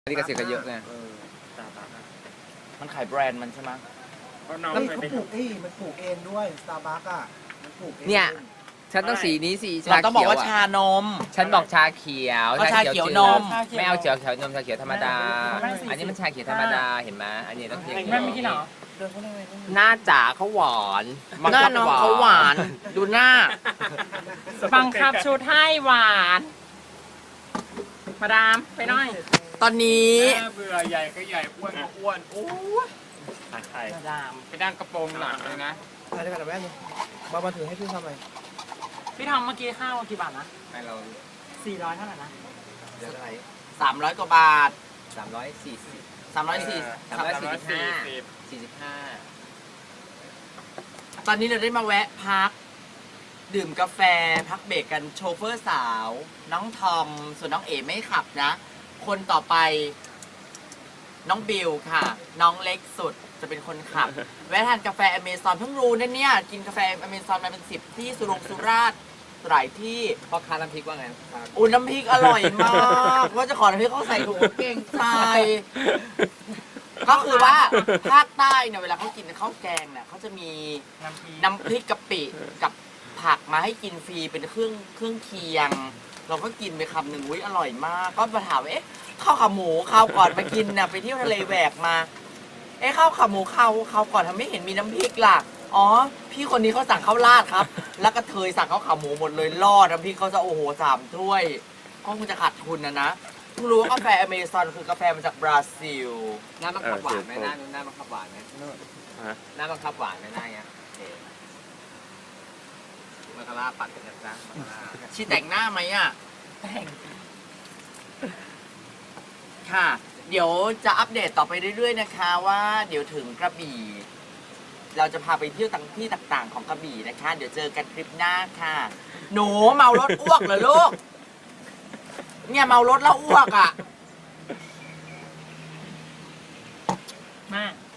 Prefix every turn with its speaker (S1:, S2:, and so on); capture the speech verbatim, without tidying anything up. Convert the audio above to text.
S1: ที่เกษตรก็เยอะไง
S2: เออสตาร์บัคอะ
S3: มันขายแบรนด์มันใช่ไหม
S2: เพราะน้อง
S4: เฮ้ย
S2: เคย
S4: เขา
S2: ไป
S4: ปลูกเอ้ยมันปลูกเองด้วยสตาร์บัคอ่ะมันปลูกเอง
S1: เนี่ย ฉันต้องสีนี้สี
S3: เรา
S1: ชา
S3: ต้องบอ
S1: เขี
S3: ก
S1: ยว
S3: ว่า
S1: อ่ะ
S3: ชานม
S1: ฉันบอกชาเขียว
S3: ก็ชาเขียวนม
S1: จืดไม่เอาเขียวเขียวนมชาเขียวธรรมดา
S5: ไม่สี่สิบ
S1: อันนี้มันชาเขียวธรรมดาเห็นไหมอันนี้ต้องเขียว
S5: แม่ไม่กินเหรอ
S1: หน้าจ๋าเขาหวาน
S3: หน้าน้องเขาหวาน ดูหน้า
S5: บังคับชุดให้หวาน มาดามไปหน่อย
S3: ตอนนี้
S2: หน้าเบื่อใหญ่ก็ใหญ่อ้วนก็อ้วนโอ้ยตายใคร
S5: มาดาม
S2: ไปดังกระโปรงหลังเลยนะ
S4: ถ่ายได้กันแม่เนี่ยมามาถือให้พี่ทำไม
S5: พี่ทำเมื่อกี้ข้าวกี่บาทนะ
S1: ให้เรา
S5: สี่ร้อยเท่าไหร่นะ
S1: เดี๋ยวอะไร
S3: สามร้อยกว่าบาท
S1: สามร้อยสี่สิบ
S3: สามร้อยสี่
S1: สามร้อยสี่สิบห้า
S2: สิบ
S1: สี่สิบห้า
S3: ตอนนี้เราได้มาแวะพัก ดื่มกาแฟพักเบรกกันโชเฟอร์สาว น้องทอม ส่วนน้องเอ๋ไม่ขับนะ คนต่อไป น้องบิวค่ะ น้องเล็กสุดจะเป็นคนขับ แวะทานกาแฟอเมซอนเพิ่งรู้นะเนี่ย กินกาแฟอเมซอนมาเป็นสิบที่สุรงสุราษฎร์หลายที่
S1: พ่อค้าน้ำพริกว่าไงครับ
S3: อุ่นน้ำพริกอร่อยมากว่าจะขอน้ำพริกเขาใส่ถุงเก่งใจก็คือว่าภาคใต้เนี่ยเวลาเขากินข้าวแกงเนี่ยเขาจะมี
S5: น้ำพริก
S3: น้ำพริกกะปิกับผักมาให้กินฟรีเป็นเครื่องเครื่องเคียง เราก็กินไปคำหนึ่งอุ้ยอร่อยมาก ก็มาถามว่าเอ๊ะข้าวขาหมูข้าวก่อนไปกินน่ะไปเที่ยวทะเลแหวกมา เอ๊ะข้าวขาหมูข้าวข้าวก่อนทำไมไม่เห็นมีน้ำพริกล่ะอ๋อพี่คนนี้เขาสั่งข้าวราดครับ แล้วก็เทยสั่งข้าวขาหมูหมดเลยรอดน้ำพริกเขาจะโอ้โหสามถ้วยก็คงจะขาดทุนนะนะเพิ่งรู้ว่ากาแฟอเมซอนคือกาแฟมาจากบราซิล
S1: หน้าบังคับหวานไหมหน้าหน้าบังคับหวานไหมหน้าบังคับหวานไหมหน้าเงี้ยโอเคมาคาร่าปัดกันนะจ๊ะมาคาร่า
S3: ชีแต่งหน้าไหมอ่ะ
S5: แต่ง
S3: ค่ะ เดี๋ยวจะอัปเดตต่อไปเรื่อยๆนะคะว่าเดี๋ยวถึงกระบี่ เราจะพาไปเที่ยวต่างที่ต่างๆของกระบี่นะคะ เดี๋ยวเจอกันคลิปหน้าค่ะ หนูเมารถอ้วกเหรอลูก เนี่ยเมารถแล้วอ้วกอ่ะ
S5: มา